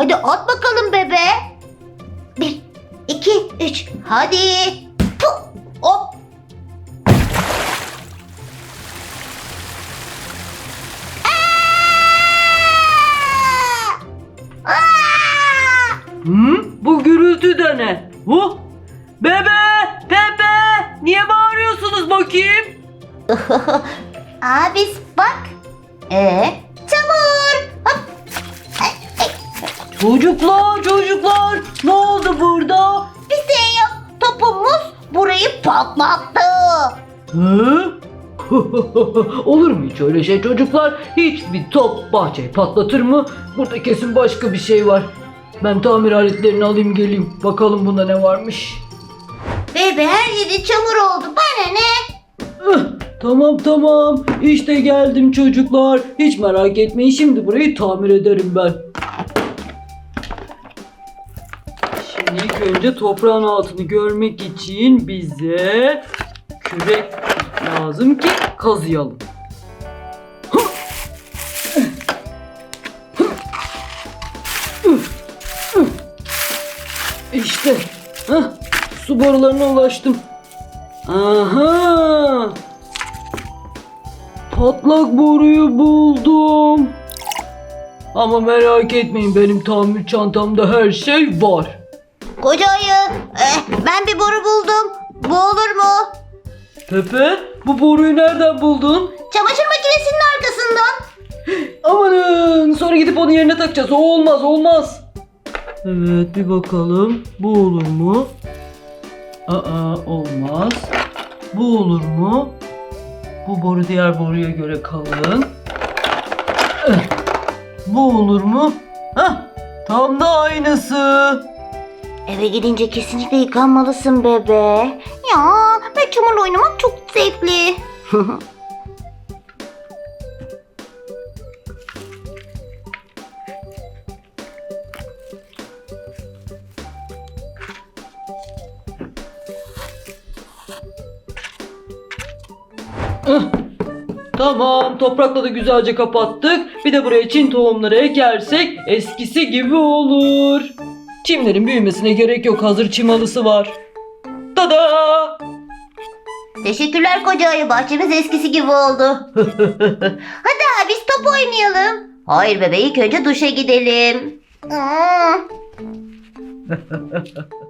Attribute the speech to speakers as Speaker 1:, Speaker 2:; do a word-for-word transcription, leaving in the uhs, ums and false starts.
Speaker 1: Hadi at bakalım bebe. Bir, iki, üç. Hadi. Puh, hop. Aa! Aa!
Speaker 2: Hı? Bu gürültü de ne? Huh? Bebe! Pepe! Niye bağırıyorsunuz bakayım?
Speaker 1: Abis bak. Ee, çamur. Hop.
Speaker 2: Çocuklar, çocuklar! Ne oldu burada?
Speaker 1: Bir şey yok. Topumuz burayı patlattı.
Speaker 2: Hı? Olur mu hiç öyle şey çocuklar? Hiçbir top bahçeyi patlatır mı? Burada kesin başka bir şey var. Ben tamir aletlerini alayım geleyim. Bakalım bunda ne varmış.
Speaker 1: Bebe her yeri çamur oldu. Bana ne?
Speaker 2: Ih, Tamam tamam. İşte geldim çocuklar. Hiç merak etmeyin. Şimdi burayı tamir ederim ben. Şimdi ilk önce toprağın altını görmek için bize kürek lazım ki kazıyalım. İşte heh, su borularına ulaştım. Aha! Patlak boruyu buldum. Ama merak etmeyin, benim tamir çantamda her şey var.
Speaker 1: Koca ayı. eh, ben bir boru buldum. Bu olur mu?
Speaker 2: Pepe, bu boruyu nereden buldun?
Speaker 1: Çamaşır makinesinin arkasından.
Speaker 2: Amanın, sonra gidip onun yerine takacağız. O olmaz, olmaz. Evet, bir bakalım. Bu olur mu? Aa, olmaz. Bu olur mu? Bu boru diğer boruya göre kalın. Eh, Bu olur mu? Hah, tam da aynısı.
Speaker 1: Eve gidince kesinlikle yıkanmalısın bebe. Ya ben çamurla oynamak çok zevkli.
Speaker 2: Eh, Tamam, toprakla da güzelce kapattık. Bir de buraya çim tohumları ekersek eskisi gibi olur. Çimlerin büyümesine gerek yok. Hazır çim halısı var. Tada!
Speaker 1: Teşekkürler koca ayı. Bahçemiz eskisi gibi oldu. Hadi abi biz top oynayalım. Hayır bebe ilk önce duşa gidelim. Hmm.